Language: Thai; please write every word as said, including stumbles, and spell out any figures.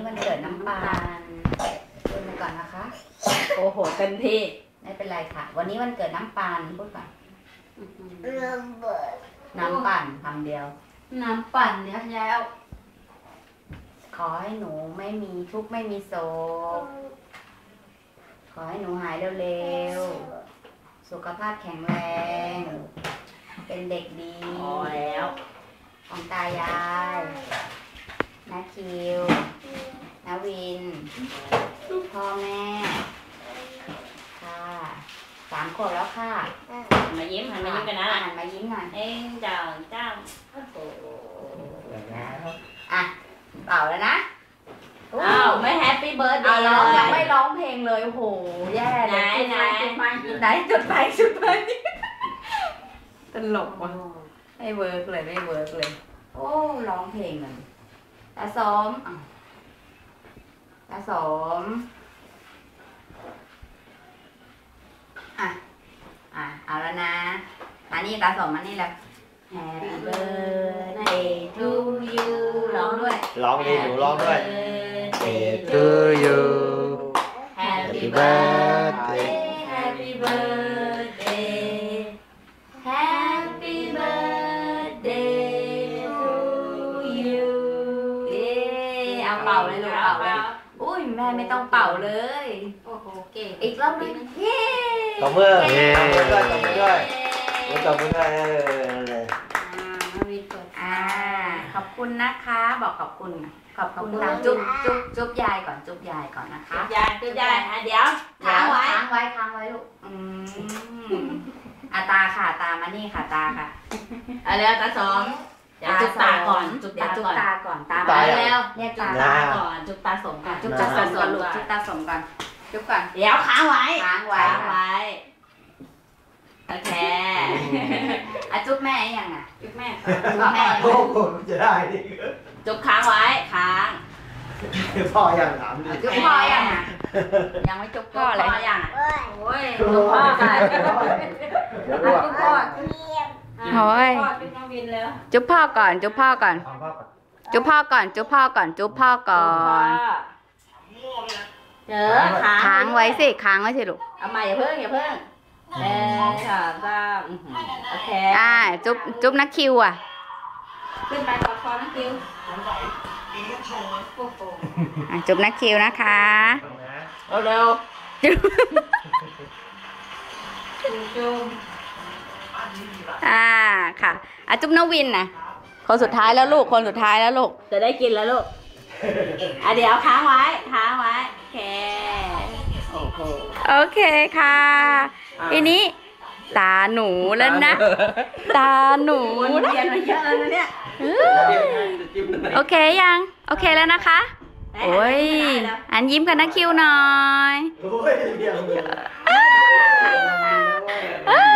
วันเกิดน้ำปานพูดไปก่อนนะคะโอ้โหเต็มที่ไม่เป็นไรค่ะวันนี้วันเกิดน้ำปานพูดก่อนน้ำปั่นคำเดียวน้ำปั่นเดี๋ยวแล้วขอให้หนูไม่มีทุกข์ไม่มีโศกขอให้หนูหายเร็วๆสุขภาพแข็งแรงเป็นเด็กดีพอแล้วของตายายนาคิวนาวินพ่อแม่ค่ะสามขวบแล้วค่ะมายิ้มหันมายิ้มกันนะหันมายิ้มหน่อยเอ้ยเจ้าเจ้าโอ้โหอ่ะเป่าแล้วนะอ้าวไม่แฮปปี้เบิร์ดเดย์เลยยังไม่ร้องเพลงเลยโอ้โหแย่เลยไหนจุดไฟไหนจุดไฟจุดไฟตลกว่ะไม่เวิร์กเลยไม่เวิร์กเลยโอ้ร้องเพลงเลยตาสมตาสมอ่ะอ่ะเอาแล้วนะอันนี้ตาสมอันนี้แหละ Happy birthday to you ร้องด้วยร้องดิหนูร้องด้วย Happy to you Happy birthday Happy birthday Happy birthday to you เย้เอาเป่าเลยลูกเป่าเลยอุ้ยแม่ไม่ต้องเป่าเลยโอ้โหเก่งอีกรอบนึงเย้ตบมือเย้ตบมือด้วยตบมือด้วยตบมือด้วยเลยอ่าขอบคุณนะคะบอกขอบคุณขอบคุณนะจุ๊บจุ๊บจุ๊บยายก่อนจุ๊บยายก่อนนะคะยายจุ๊บยายอ่ะเดี๋ยวค้างไว้ค้างไว้ค้างไว้ลูกอืมอาตาค่ะตามานี่ค่ะตาค่ะเอาเร็วตาสมเดี๋ยวจุ๊บตาก่อนจุ๊บตาก่อนตาก่อนตามาแล้วเนี่ยตาก่อนจุ๊บตาสมก่อนจุ๊บตาสมก่อนลูกจุ๊บตาสมก่อนจุ๊บก่อนเดี๋ยวค้างไว้ค้างไว้ค้างไว้โอเคอ่ะจุ๊บแม่ยังอ่ะจุ๊บแม่จุ๊บแม่โอ้โหจะได้ดิจุ๊บค้างไว้ค้างพ่อยังถามดิจุ๊บพ่อยังอ่ะยังไม่จุ๊บพ่อเลยพ่อยังอ่ะโอ้ยจุ๊บพ่อกันจุ๊บพ่อโอ้ยจุ๊บน้องวินแล้วจุ๊บพ่อก่อนจุ๊บพ่อก่อนจุ๊บพ่อก่อนจุ๊บพ่อก่อนจุ๊บพ่อก่อนเจอค้างไว้สิค้างไว้สิลูกเอามาอย่าเพิ่งอย่าเพิ่งเออค่ะจ้าโอเคอ่าจุ๊บจุ๊บนักคิวอ่ะขึ้นไปกอดคอนักคิวจุ๊บนักคิวนะคะเอาเร็วจุ๊บจุ๊บอ่าค่ะอ่ะจุ๊บนวินนะคนสุดท้ายแล้วลูกคนสุดท้ายแล้วลูกจะได้กินแล้วลูกอ่ะเดี๋ยวค้างไว้ค้างไว้โอเคโอ้โหโอเคค่ะทีนี้ตาหนูแล้วนะตาหนูนะเรียนมาเยอะแล้วเนี่ยโอเคยังโอเคแล้วนะคะโอ้ยอันยิ้มกันนะคิวหน่อย